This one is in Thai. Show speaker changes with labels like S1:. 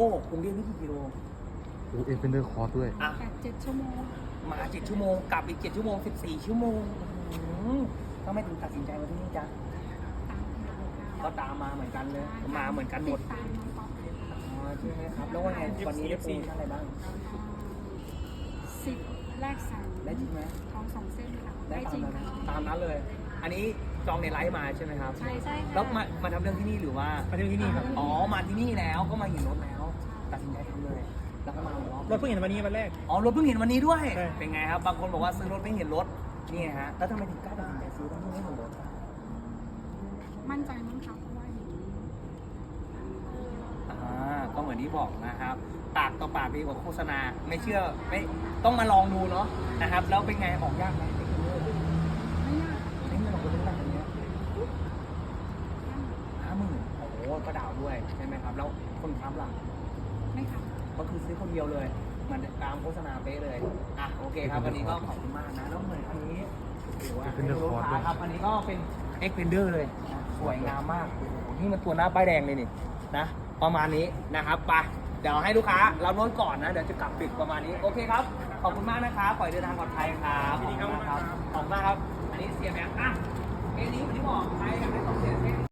S1: กรุงเทพนี่กี่กิโล
S2: โอ้เอ็กเพนเดอร์คอร์สด้วย
S1: อ่ะ
S3: 8-7 ชั่วโมง
S1: มา7 ชั่วโมงกลับอีก7 ชั่วโมง14 ชั่วโมงทำไมถึงตัดสินใจมาที่นี่จ๊ะ
S3: ตามหา
S1: ก็ตามมาเหมือนกันเลยมาเหมือนกันหมด
S3: ติตามน้องป๊อป
S1: อ๋อใช่ไหมครับแล้วว่าไงวันนี้ได้โปรโมชั่นอะไรบ้าง
S3: 10 แรก3
S1: ได้จริงไหม
S3: ท้อง2 เส้นค่ะ
S1: ได้
S3: ได้จริงค่ะ
S1: ตามนั้นเลย อันนี้จองในไลฟ์มาใช่ไหมครับ
S3: ใช่ค่ะ
S1: แล้วมาทำเรื่องที่นี่หรือว่า
S4: มาที่นี่ครับ
S1: อ๋อมาที่นี่แล้วก็มาเห็นรถแล้ว ตัดสินใจทำเลย แล้วก็มาเอารถ
S4: รถเพิ่งเห็นวันนี้วันแรก
S1: อ๋อรถเพิ่งเห็นวันนี้ด้วย
S4: ใช่
S1: เป็นไงครับบางคนบอกว่าซื้อรถไม่เห็นรถนี่ฮะแล้วทำไมถึงกล้าตัดสินใจซื้อทั้งที่ไม่เห็นรถ
S3: มั่นใจมั้งคะเพราะว่าเห็น
S1: ก็เหมือนที่บอกนะครับปากต่อปากดีกว่าโฆษณาไม่เชื่อไม่ต้องมาลองดูเนาะนะครับ แล้วเป็นไงออกยากไหม
S3: ไม่ยาก
S1: ใช้เงินของคนเท่าไหร่อันเนี้ย
S3: นั่ง
S1: 50,000โอ้โหก็ดาวด้วยใช่ไหมครับ แล้วคนค้ำล่ะ
S3: ไม่ค่ะ
S1: ก็คือซื้อคนเดียวเลย มันตามโฆษณาเป๊ะเลยอ่ะโอเคครับวันนี้ก็ขอบคุณมากนะแล้วเหมือนอันนี้ถือว่าเป็นรถค้าครับอันนี้ก็เป็น Xpander เลยนะสวยงามมากโอ้โหนี่มันตัวหน้าป้ายแดงเลยนี่นะประมาณนี้นะครับไปเดี๋ยวให้ลูกค้าเรารถก่อนนะเดี๋ยวจะกลับปิดประมาณนี้โอเคครับขอบคุณมากนะครับปล่อยเดินทางปลอดภัยครับขอบคุณมากครับขอบคุณมากครับ อันนี้เสียแม็กอ่ะเอ็นนี้ผมที่บอกใครอยากได้ของเสียเส้น